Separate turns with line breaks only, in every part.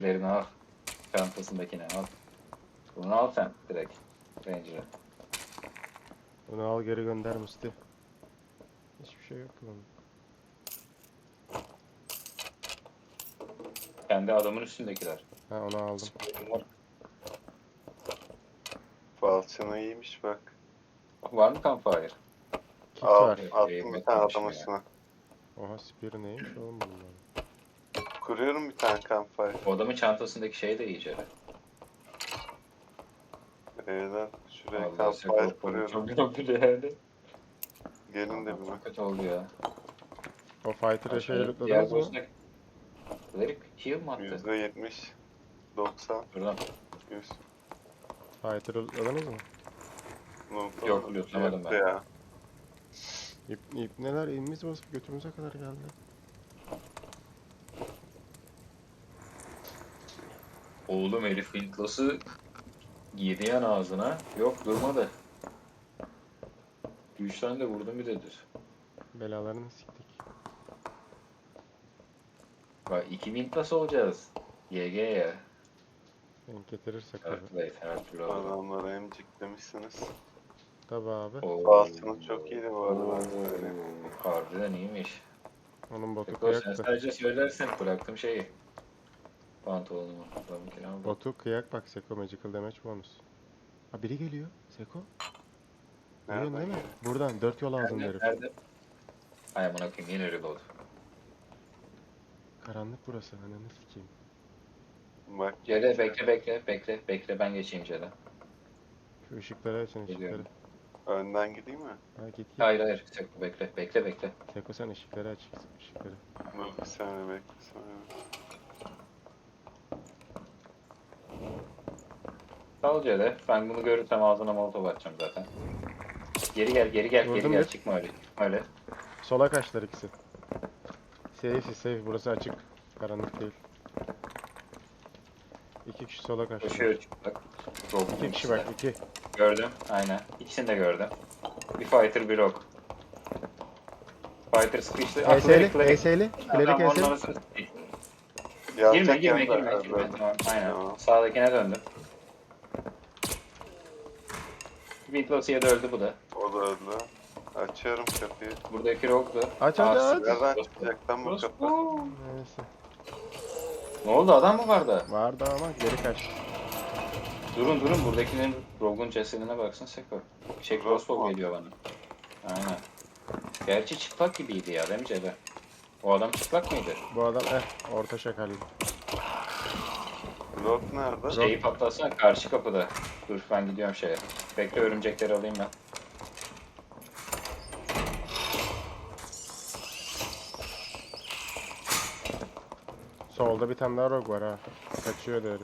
Lerini al. Çantasındakini al. Bunu al sen direkt. Ranger'ı.
Bunu al geri gönder Musti. Hiçbir şey yok lan.
Kendi adamın üstündekiler.
Ha onu aldım.
Falçını iyiymiş bak.
Var mı campfire?
Kit
Al,
var.
attım bir tane adam
Etmemişim ya.
üstüne.
Oha spear neymiş oğlum bunlar.
Kuruyorum bir tane campfire.
O adamın çantasındaki şey de iyice.
Lan şuraya
Allah
campfire kuruyorum.
Çok kötü yani.
Gelin de bir
Çok
bak.
kötü oldu ya.
O fighter'ı şey
Diğer
lootladınız mı?
boss'una... Cleric heal mı attı?
%70, 90,
Buradan.
100.
Fighter'ı lootladınız mı?
Yok, lootlamadım ben.
Ya.
İp neler elimiz basıp götümüze kadar geldi.
Oğlum herif Windless'ı yedi yan ağzına. Yok durmadı. 3 tane de vurdum bir de düz.
Belalarını siktik.
Bak 2 Windless olacağız. YG ya.
Denk getirirsek tabi.
Earthblade her türlü alırım.
Adamları emciklemişsiniz.
Tabi abi.
Falçınız çok iyiydi bu arada, ben söyleyeyim.
Harbiden iyiymiş.
Onun botu
Peki sen
kıyaktı.
sadece söylersen bıraktım şeyi. Pantolonumu. Adamınkini aldım.
Botu kıyak bak Seko magical damage bonus. Ha biri geliyor. Seko. Biliyorsun değil mi?
geliyor?
Buradan 4 yol ağzında
Nerede?
herif.
Nerede? Ay amına koyayım yine reload.
Karanlık burası. Ananı sikeyim.
Bak.
Cere bekle ben geçeyim Cere.
Şu ışıkları açın ışıkları.
Geliyorum.
Önden gideyim mi?
Ha git git.
Hayır Seko bekle.
Seko sen ışıkları aç. Işıkları.
Dur bir saniye bekle. Bir saniye.
Sağ Cere. Ben bunu görürsem ağzına molotov atacağım zaten. Geri gel
Vurdum bir.
çıkma öyle. Öyle.
Sola kaçtılar ikisi. Safe burası açık. Karanlık değil. 2 kişi sola kaçtı.
Koşuyor çıplak.
2 kişi bak 2.
Gördüm aynen. İkisini de gördüm. Bir fighter bir rock. Fighter sıkıştı. Ah,
ES'li.
Cleric.
ES'li. Cleric
Tamam,
ES'li.
onları sıkıştı.
Yapacak
Girme.
yanında.
Tamam, aynen.
Tamam.
Sağdakine döndüm. Windless'ya da öldü bu da.
O da öldü. Açıyorum kapıyı.
Buradaki rock'tu.
Aç,
Ah,
aç.
Nereden çıkacak lan bu kapı?
Neyse.
Ne oldu adam mı vardı?
Vardı ama geri kaçtı.
Durun buradakinin rogue'un cesedine baksın Seko. Crossbow geliyor bana. Aynen. Gerçi çıplak gibiydi ya değil mi Cebe? O adam çıplak mıydı?
Bu adam orta şakallı.
Lord nerede?
Şeyi patlatsana karşı kapıda. Dur ben gidiyorum şeye. Bekle örümcekleri alayım ben.
Solda bir tane daha rogue var ha. Kaçıyor da herif.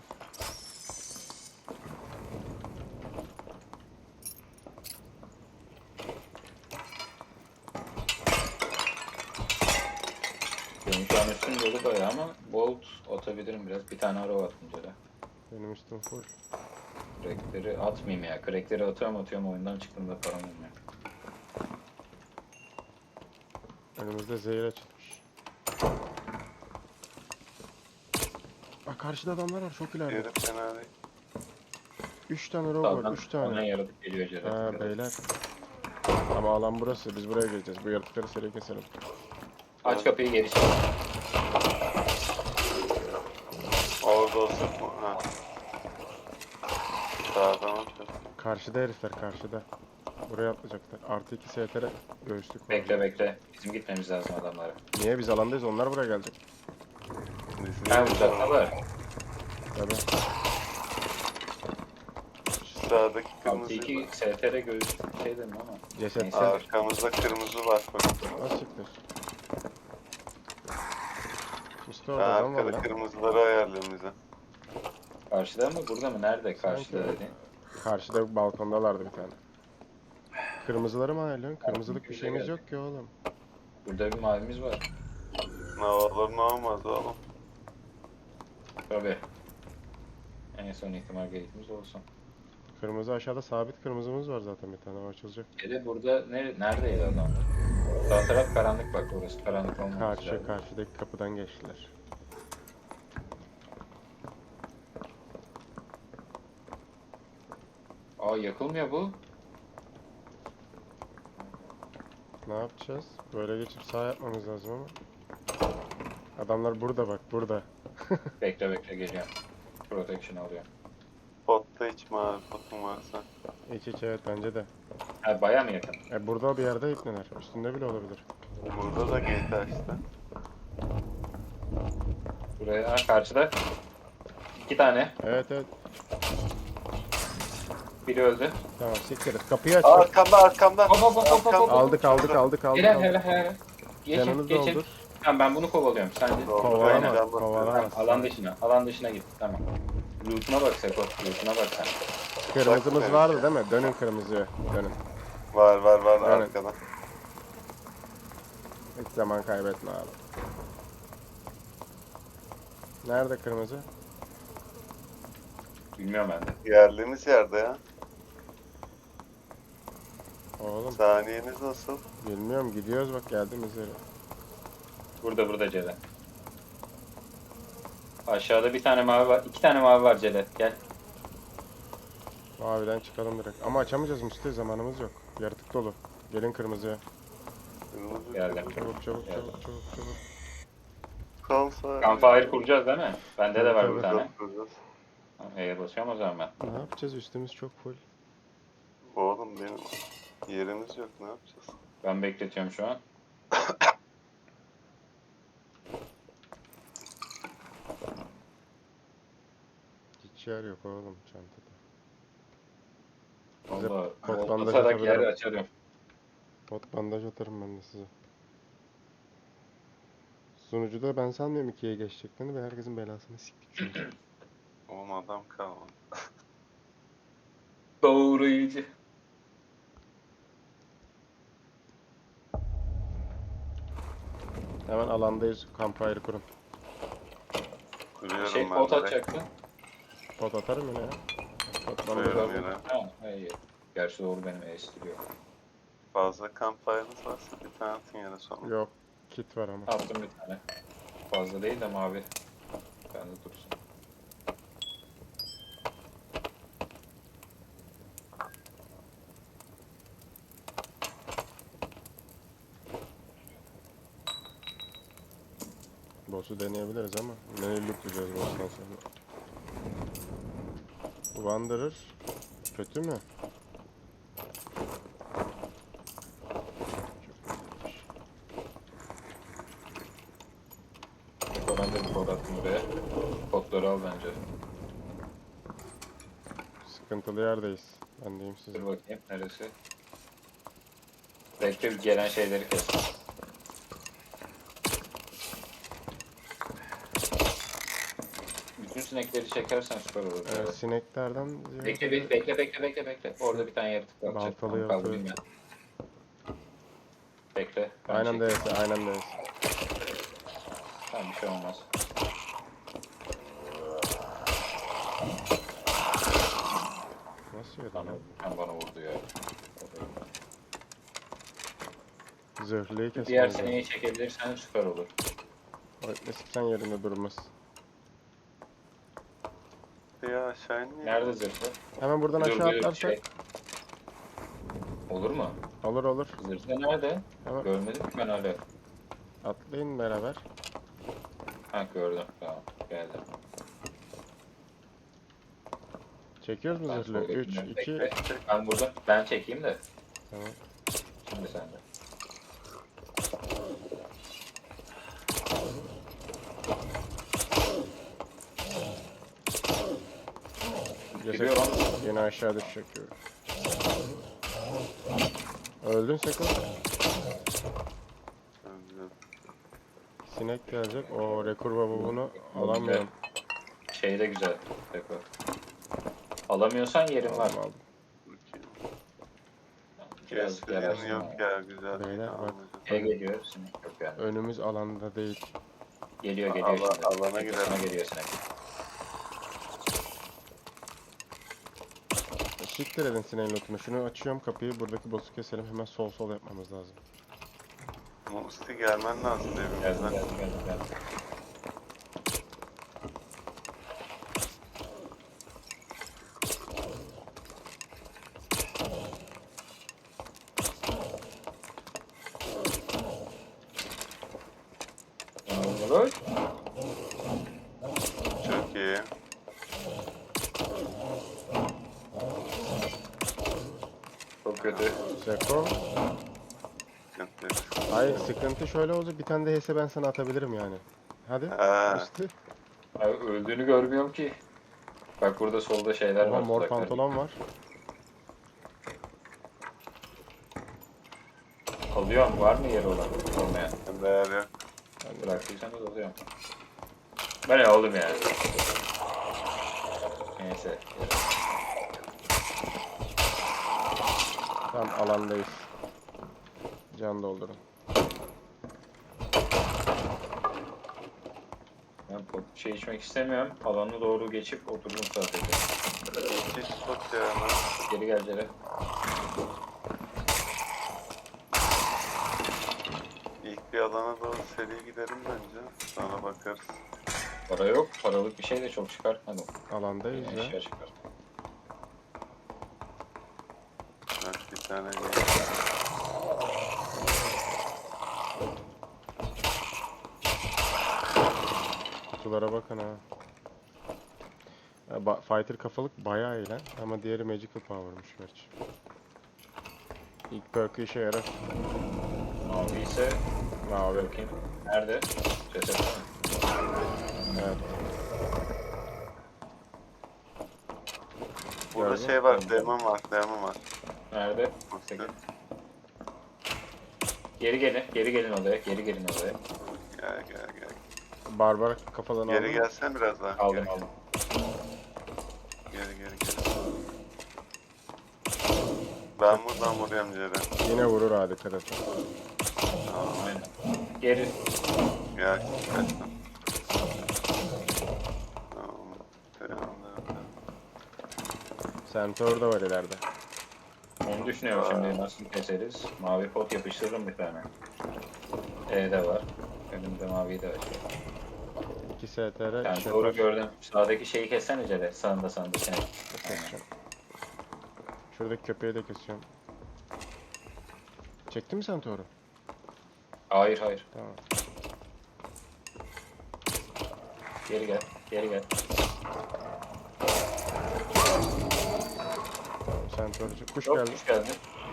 Benim şu an üstüm dolu bayağı ama bolt atabilirim biraz. Bir tane arrow attım Cebe.
Benim üstüm full.
Crackleri atmayayım ya. Crackleri atıyorum oyundan çıktığımda param olmuyor.
Önümüzde zehir açılmış. Bak karşıda adamlar var çok ileride.
Yeri fena değil.
3 tane rogue var
Sağdan
3
bana
tane.
yaratık geliyor Cebe.
Ha beyler. Ama alan burası biz buraya gireceğiz. Bu yaratıkları seri keselim.
Aç kapıyı geri çek.
Orada olsak mı? Ha. Sağdan olacak.
Karşıda herifler karşıda. Buraya atlayacaklar. Artı 2 STR göğüslük var.
Bekle. Bizim gitmemiz lazım adamlara.
Niye biz alandayız onlar buraya gelecek.
Ha uzaktalar.
Tabii.
Şu sağdaki
Altı
kırmızı.
2 STR göğüs şey dedim ama.
Ceset.
Neyse.
Arkamızda kırmızı var bak.
Açıktır. Üstü
Ha,
orada adam var
arkada
lan.
kırmızıları ayarlayın bize.
Karşıda mı burada mı? Nerede karşıda
Sanki-
dedi.
Karşıda balkondalardı bir tane. Kırmızıları mı ayarlıyorsun? Kırmızılık bir
Bize
şeyimiz
geldi.
yok ki oğlum.
Burada bir mavimiz var.
Ne olur ne olmaz oğlum.
Tabii. En son ihtimal gate'imiz olsun.
Kırmızı aşağıda sabit kırmızımız var zaten bir tane o açılacak.
Dede burada neredeydi adamlar? Sağ taraf karanlık bak orası karanlık olmaması lazım.
Karşıdaki kapıdan geçtiler.
Aa yakılmıyor bu.
Ne yapacağız? Böyle geçip sağ yapmamız lazım ama. Adamlar burada bak, burada.
Bekle bekle geliyorum. Protection alıyor.
Potta hiç mavi potum varsa.
İç iç, evet bence de.
Ha baya mı yakın?
Burada bir yerde ipneler. Üstünde bile olabilir.
Burada da gate açtı.
Buraya ha, karşıda. 2 tane.
Evet evet.
Biri öldü.
Tamam siktir et. Kapıyı aç.
Arkamda.
Hop hop hop hop hop.
Aldık aldık aldık aldık.
Helal
aldık.
helal helal. Geçin
Canınızı
geçin.
doldur.
Tamam ben bunu kovalıyorum. Sen de.
Kovalama.
Aynen.
Kovalama.
Tamam, alan dışına git. Tamam. Loot'una bak Seko. Loot'una bak sen.
Kırmızımız
Bak,
vardı değil mi? Dönün kırmızıya. Dönün.
Var
Evet.
arkada.
Hiç zaman kaybetme abi. Nerede kırmızı?
Bilmiyorum ben de.
Yerliğimiz yerde ya.
Oğlum
Saniyeniz nasıl?
bilmiyorum, gidiyoruz bak, geldiğimiz yere.
Burada Cele. Aşağıda bir tane mavi var. 2 tane mavi var Cele. Gel.
Maviden çıkalım direkt. Ama açamayacağız Mustafa, zamanımız yok. Yaratık dolu. Gelin kırmızıya.
Kırmızı
Geldim.
Çabuk çabuk
Geldim.
çabuk çabuk çabuk.
Campfire.
Campfire kuracağız değil mi? Bende de var bir
Tabii,
tane.
Kuracağız.
E'ye basıyorum o zaman ben.
Ne yapacağız? Üstümüz çok full.
Oğlum benim yerimiz yok, ne yapacağız?
Ben bekletiyorum şu an.
Hiç yer yok oğlum çantada. Bize
Valla
pot bandaj
atarak yer
atabilirim.
açarım.
Pot bandaj atarım ben de size. Sunucuda ben sanmıyorum 2'ye geçeceklerini ve herkesin belasını siktik çünkü.
Oğlum adam kalmadı.
Doğruyucu.
Hemen alandayız. Campfire kurun.
Kuruyorum
Şey
ben
pot
direkt.
atacaktın.
Pot atarım yine ya. Pot bandaj
Koyuyorum
aldım.
yere.
Ha hayır. Gerçi doğru benim estiriyor.
Fazla campfire'ınız varsa bir tane atın yere sonra.
Yok. Kit var ama.
Attım bir tane. Fazla değil de mavi. Bende dursun.
Boss'u deneyebiliriz ama neyi lootlayacağız boss'tan sonra? Wanderer kötü mü?
Ben de bir kod attım buraya. Kodları al bence.
Sıkıntılı yerdeyiz. Ben diyeyim size.
Dur bakayım neresi? Bekle bir gelen şeyleri kes. Bütün sinekleri çekersen süper olur.
Sineklerden
Bekle
ziyade
bekle. Orada bir tane yaratık var.
Baltalı
Onu
yaratığı.
kaldırayım ben. Bekle. ben
aynen
çekeyim.
DS, aynen DS.
Tamam bir şey olmaz.
Nasıl yedi
Bana,
lan?
bana vurdu ya.
Zırhlıyı
Diğer
kesmemiz lazım.
sineği çekebilirsen süper olur.
Öğretmesim sen yerinde durmaz.
Ya aşağı inmeyin.
Nerede zırhlı?
Hemen buradan
Dur,
aşağı
bir
atlarsak
şey. Olur mu?
olur olur.
Zırhlı nerede?
Hemen
Görmedim ki ben hala.
atlayın beraber.
Ha gördüm. Tamam. Geldim.
Çekiyoruz mu
Ben
zırhlı? 3,
soldakini
2,
bekle. Ben burada. Ben çekeyim de.
tamam.
Şimdi sen de. Geliyorum.
Yine aşağı düşecek gibi. Öldün Seko. Sinek gelecek. O rekur babunu alamıyorum.
Şey de güzel. Tekrar. Alamıyorsan yerim var.
Aldım aldım.
Birazcık
Keskin
yararsın
yok
ama.
ya, güzel.
Beyler bak.
Şey geliyor. Sinek yok yani.
Önümüz alanda değil.
Geliyor
Ala-
şimdi.
alana girelim.
Sana geliyor sinek.
Siktir edin sineğin lootunu. Şunu açıyorum kapıyı. Buradaki boss'u keselim. Hemen sol yapmamız lazım.
Musti gelmen lazım
Geldim
evimizden.
geldim.
iyi.
Çok kötü.
Seko.
Sıkıntı yok.
Hayır, sıkıntı şöyle olacak. Bir tane de HS ben sana atabilirim yani. Hadi.
Ha,
İşte.
Abi öldüğünü görmüyorum ki. Bak burada solda şeyler
Oha,
var.
mor
tuzaklar.
pantolon var.
Alıyorum. Var mı yeri olan? Olmayan.
değer yok.
Bıraktıysanız alıyorum. Ben aldım yani. Neyse.
Tamam, alandayız. Can doldurun.
Ben şey içmek istemiyorum. Alana doğru geçip oturdum sadece.
Hiç spot ya lan.
Geri gel Cere.
İlk bir alana doğru seri gidelim bence. Sonra bakarız.
Para yok. Paralık bir şey de çok çıkartmadım.
Alandayız ya.
Eşya çıkar.
Bak bir tane
Kutulara bakın ha. Ya, fighter kafalık bayağı iyi lan. Ama diğeri magical power'mış gerçi. İlk perk'ü işe yarar.
Mavi ise
Mavi.
bakayım. Nerede? Cesette mi?
Evet.
Burada
Gördün
şey var, demon var, demon var.
Nerede? 8. Geri gelin. Geri gelin odaya. Geri gelin odaya.
Gel gel gel.
Barbar kafadan
Geri
aldın mı?
gelsen biraz daha.
Aldım
Geri,
aldım.
geri. Ben buradan vuruyorum Ceren.
Yine vurur ha, dikkat et.
Aynen. Geri.
Gel, kaçtım. Tamam.
Centaur da var ileride.
Onu düşünüyorum şimdi nasıl keseriz. Mavi pot yapıştırırım bir tane. E de var. Önümde mavi de var.
2 STR.
Yani doğru gördüm. Sağdaki şeyi kessene Cere. Sağında seni.
Keseceğim. Şuradaki köpeği de kesiyorum. Çektin mi Centaur'u?
Hayır hayır.
Tamam.
Geri gel. Geri gel.
Centaur'cu. Kuş
Yok
geldi.
kuş geldi.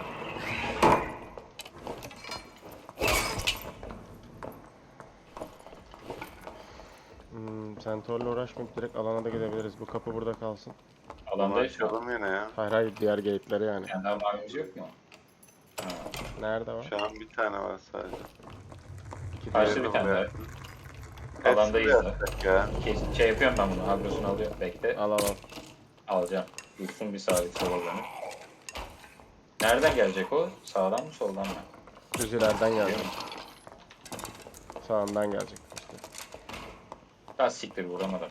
Centaur'la uğraşmayıp direkt alana da gidebiliriz. Bu kapı burada kalsın.
Alandayız şu an.
Açalım yine ya.
Hayır hayır, diğer gate'leri yani.
Yani daha mavimiz yok mu? Ha.
Nerede var?
Şu an bir tane var sadece.
İki
Karşı
diğeri.
bir tane
buraya.
daha. Alandayız
Hepsini
da.
yapacak ya.
Şey yapıyorum ben bunu. Agrosunu alıyorum. Bekle.
Al al al.
Alacağım. Dursun bir sabit sola dönüp. Nereden gelecek o? Sağdan mı soldan mı?
Düz ileriden gelecek. Sağından gelecek işte.
Ha siktir vuramadım.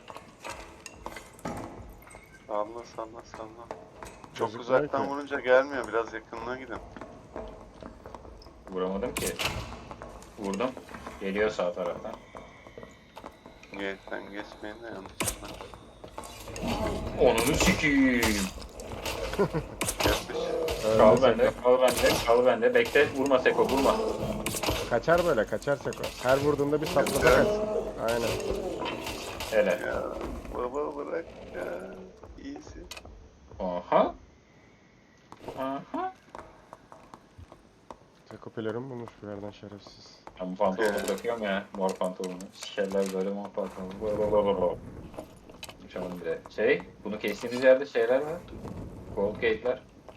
Salla. Çok
Gözükmüyor
uzaktan
ki.
vurunca gelmiyor. Biraz yakınına gidin.
Vuramadım ki. Vurdum. Geliyor sağ taraftan.
Gate'den geçmeyin de yanlışlıkla.
Onunu sikiyim.
Yapış.
Kal bende, kal bende, kal bende. Bekle, vurma Seko, vurma.
Kaçar böyle, kaçar Seko. Her vurduğunda bir saplasa kaçsın. Aynen.
Hele.
Ya baba bırak ya. İyisin.
Aha. Aha.
Seko pelerin bulmuş bir yerden şerefsiz.
Ben bu pantolonu bırakıyorum ya, mor pantolonu. Sikerler böyle mor pantolonu. Uçalım bir de. Bunu kestiğimiz yerde şeyler var. Gold gate'ler.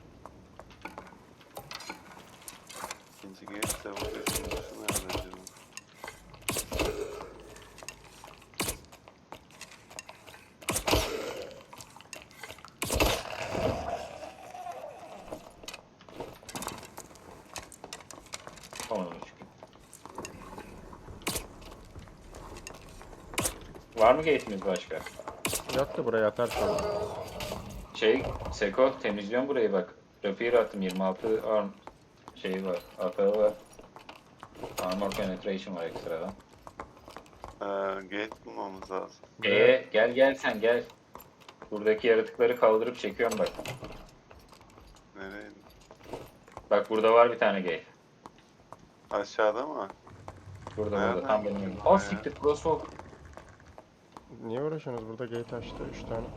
İkinci gate de vuruyorsun. Şunu nereden acaba?
Onunu çıkıyor. Var mı gate'imiz başka?
Yok da buraya atar sonra.
Seko temizliyorum burayı bak. Rapier attım 26 arm şeyi var. Atağı var. Armor penetration var ekstradan.
Gate bulmamız lazım.
Gel sen gel. Buradaki yaratıkları kaldırıp çekiyorum bak.
Nereye?
Bak burada var bir tane gate.
Aşağıda mı?
Burada
Nereden
tam benim
buldun
önümde.
ya?
Siktir crossbow.
Niye uğraşıyorsunuz? Burada gate açtı 3 tane.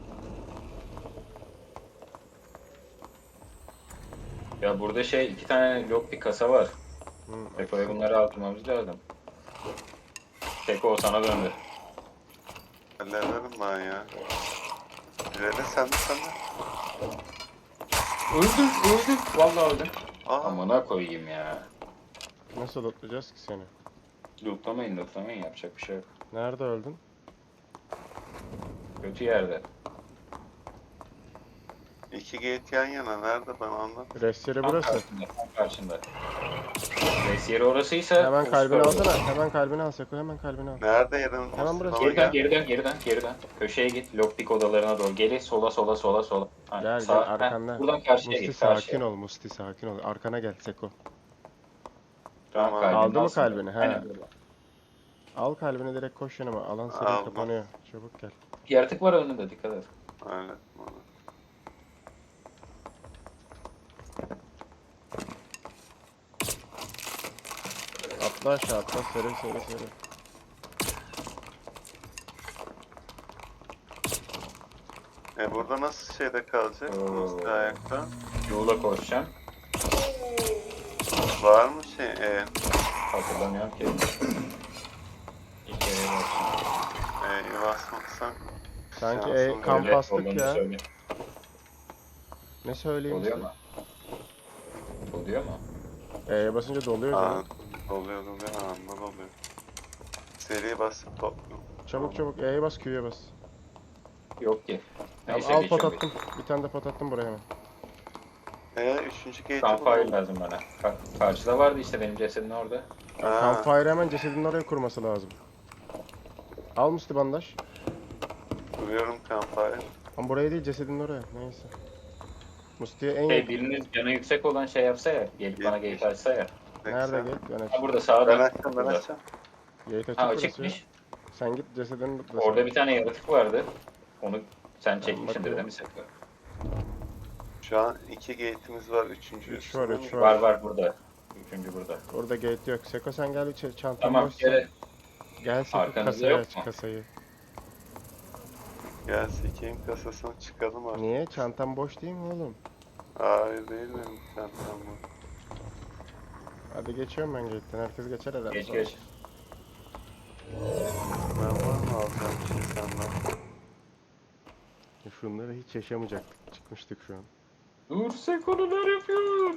Ya burada şey 2 tane lock bir kasa var. Seko'ya
Açsın.
bunları aldırmamız lazım. Seko o sana döndü.
Hallederim ben ya. İleri sen de.
Öldüm. Vallahi öldüm.
Aa,
Amına koyayım ya.
Nasıl lootlayacağız ki seni?
Lootlamayın yapacak bir şey yok.
Nerede öldün?
Kötü yerde.
2 gate yan yana. Nerede ben anlat.
Rest yeri
Tam
burası.
karşında, tam karşında. Res yeri orasıysa...
Hemen
o
kalbini
süper olur.
alsana. Hemen kalbini al Seko. Hemen kalbini al.
Nerede yerin?
Hemen burası.
Bana
Geriden. Köşeye git. Lockpick odalarına doğru. Geri sola. Ha,
Gel
sağ-
gel
heh,
arkanda.
buradan karşıya
Musti
git. Karşıya.
sakin ol Musti sakin ol. Arkana gel Seko.
Tamam,
Tamam.
kalbini
Aldı mı
alsın.
kalbini? He.
Aynen böyle.
Al kalbini direkt koş yanıma. Alan seri
Aldım.
kapanıyor. Çabuk gel.
Yaratık var önünde, dikkat et.
Öyle.
Atla aşağı atla. Seri.
Burada nasıl şeyde kalacak? Nasıl ayakta?
Yola koşacağım.
Var mı şey?
Hatırlamıyorum ki. İlk kere basacağım.
Basmaksan.
Sanki
şansım
kamp
Öyle
bastık
olduğunu
ya.
söyle.
Ne söyleyeyim
Oluyor
size?
mu? Oluyor mu?
Basınca doluyor
Aa,
canım.
oluyor. Anında oluyor. Seri basıp topluyorum.
Çabuk E'ye bas Q'ya bas.
Yok ki.
Tamam,
Neyse
al pot
geçiyorum.
attım. Bir tane de pot attım buraya hemen.
3. gate'i
Campfire
bulalım.
lazım bana. Karşıda vardı işte benim cesedin orada.
Ha,
Campfire hemen cesedinin oraya kurması lazım. Al Musti bandaj.
kuruyorum campfire.
Ama buraya değil cesedinin oraya. Neyse. Musti'ye en
Şey,
yakın.
biriniz canı yüksek olan şey yapsa ya. Gelip bana
Yetmiş.
gate açsa ya.
Nerede
Bekle.
gate? Ben
Ha
açayım.
burada sağda.
Ben açacağım.
Burada.
Gate açık
Ha
burası ya.
açıkmış.
Sen git cesedini lootla.
Orada bir tane yaratık vardı. Onu sen çekmişsindir
bakıyorum.
değil mi Seko?
Şu an 2 gate'imiz var. 3.
Üç var, üç var.
Var burada. Üçüncü burada.
Orada gate yok. Seko sen gel içeri. Çantam
Tamam
boşsa.
gel.
Gel Seko
Arkanızda
kasayı
yok
aç
mu?
kasayı.
Gel sikeyim kasasını çıkalım artık.
Niye? Çantam boş değil mi oğlum?
Hayır değil benim çantam bu.
Hadi geçiyorum ben gate'den. Herkes geçer herhalde.
Geç.
Ben var mı alacağım bir şey senden?
Şunları hiç yaşamayacaktık. Çıkmıştık şu an.
Dur Seko neler yapıyor?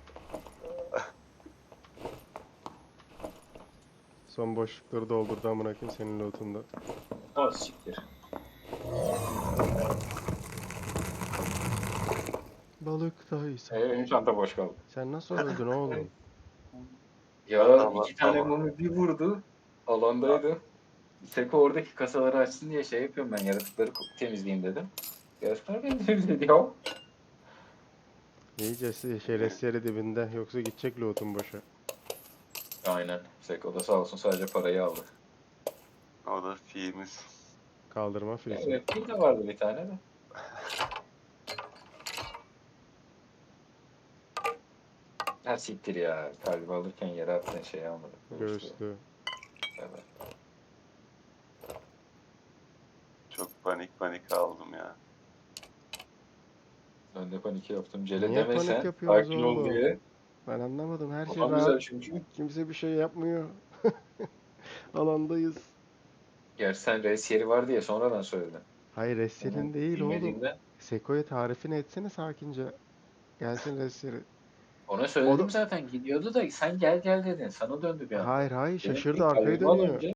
Son boşlukları doldurdu amına koyayım senin lootunda.
Az siktir.
Balıktaysa.
Benim çanta boş kaldı.
Sen nasıl öldün oğlum?
Ya
Tamam,
2 tane
tamam.
mumu bir vurdu. Alandaydı. Seko oradaki kasaları açsın diye şey yapıyorum ben. Yaratıkları temizleyeyim dedim. Yaratıklar beni temizledi ya.
İyice şerefsiz yeri dibinde. Yoksa gidecek loot'un boşa.
Aynen. Seko da sağ olsun sadece parayı aldı.
O da fiimiz.
Kaldırma filesi.
Evet bir de vardı bir tane de. Ha siktir ya. Kalbi alırken yere attığın şeyi almadım.
Göğüslü.
Evet.
Çok panik aldım ya.
Ben de panik yaptım. Cele
Niye
demesen.
panik yapıyorsunuz
Sakin ol
oğlum?
diye.
Ben anlamadım. Her şey
Kafam güzel
rahat.
çünkü.
Kimse bir şey yapmıyor. Alandayız.
Gerçi sen res yeri var diye sonradan söyledin.
Hayır Ressel'in değil oğlum.
Bilmediğimden.
Seko'ya tarifini etsene sakince. Gelsin Ressel'i.
Ona söyledim
O da-
zaten gidiyordu da sen gel dedin. Sana döndü bir anda.
Hayır
Dedim ki,
şaşırdı arkayı
kalbimi al
dönüyor.
önce.